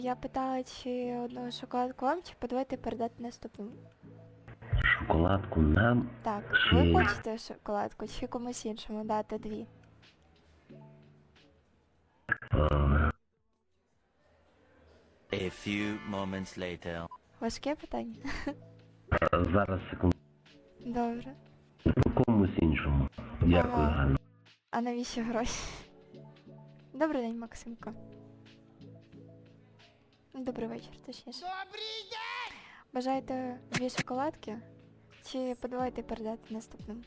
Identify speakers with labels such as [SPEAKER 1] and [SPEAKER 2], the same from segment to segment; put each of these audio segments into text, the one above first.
[SPEAKER 1] Я питала, чи одну шоколадку вам, чи подавайте передати наступному.
[SPEAKER 2] Шоколадку нам
[SPEAKER 1] Так,
[SPEAKER 2] чи...
[SPEAKER 1] ви хочете шоколадку, чи комусь іншому дати дві?
[SPEAKER 2] е,
[SPEAKER 3] A few moments later.
[SPEAKER 1] Важке питання?
[SPEAKER 2] Зараз секунду.
[SPEAKER 1] Добре.
[SPEAKER 2] Комусь іншому. Дякую,
[SPEAKER 1] Ага.
[SPEAKER 2] Ганна.
[SPEAKER 1] А навіщо гроші? Добрий день, Максимко. Добрий вечір, точніше. Добрий день! Бажаєте дві шоколадки? Чи подавайте передати наступному?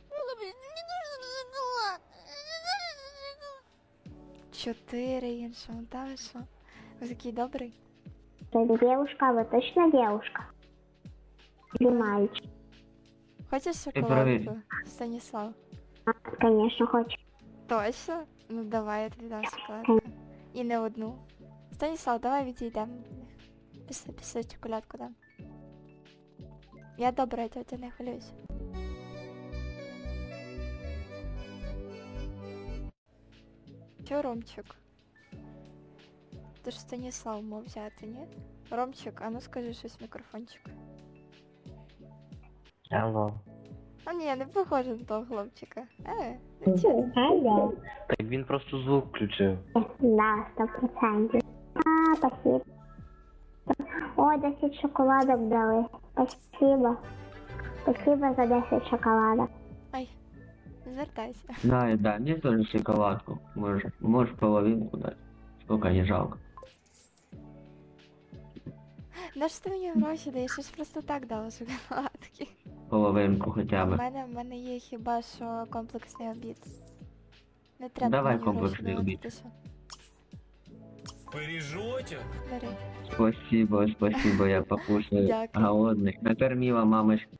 [SPEAKER 1] Чотири іншому, та ви що? Ви такий добрий?
[SPEAKER 4] Это девушка, вы точно девушка? Или мальчик?
[SPEAKER 1] Хочеш
[SPEAKER 5] проверь.
[SPEAKER 1] шоколадку, Станіслав?
[SPEAKER 4] Конечно, хочет.
[SPEAKER 1] Точно? Ну давай, я тобі дам шоколадку. І не одну. Станіслав, давай відійдемо. Після шоколадку дам. Я добра тетя, не хвилюйся. Чо, Ромчик? Ти ж Станіслав мав взяти, ні? Ромчик, а ну скажи щось в мікрофончик.
[SPEAKER 5] Алло.
[SPEAKER 1] А ні, не похоже на того хлопчика. Нічого.
[SPEAKER 4] Алло.
[SPEAKER 5] Так він просто звук включив.
[SPEAKER 4] Да, 100%. А, спасибо. Ой, 10 шоколадок дали. Спасибо. Спасибо за 10 шоколадок.
[SPEAKER 1] Ай, звертайся.
[SPEAKER 5] Да, мне тоже шоколадку. Можешь половинку дать. Сколько не жалко.
[SPEAKER 1] На що ти мені гроші даєш? Я ж просто так дала шоколадки.
[SPEAKER 5] Половинку хотя
[SPEAKER 1] А в
[SPEAKER 5] бы.
[SPEAKER 1] мене є хіба що комплексний обід. Не треба
[SPEAKER 5] Давай
[SPEAKER 1] мені
[SPEAKER 5] комплексний
[SPEAKER 1] гроші
[SPEAKER 5] обід.
[SPEAKER 1] давати, ти що?
[SPEAKER 6] Бережете?
[SPEAKER 1] Бери.
[SPEAKER 5] Спасибо, я покушаю.
[SPEAKER 1] Дякую.
[SPEAKER 5] Голодный. Накормила мамочка.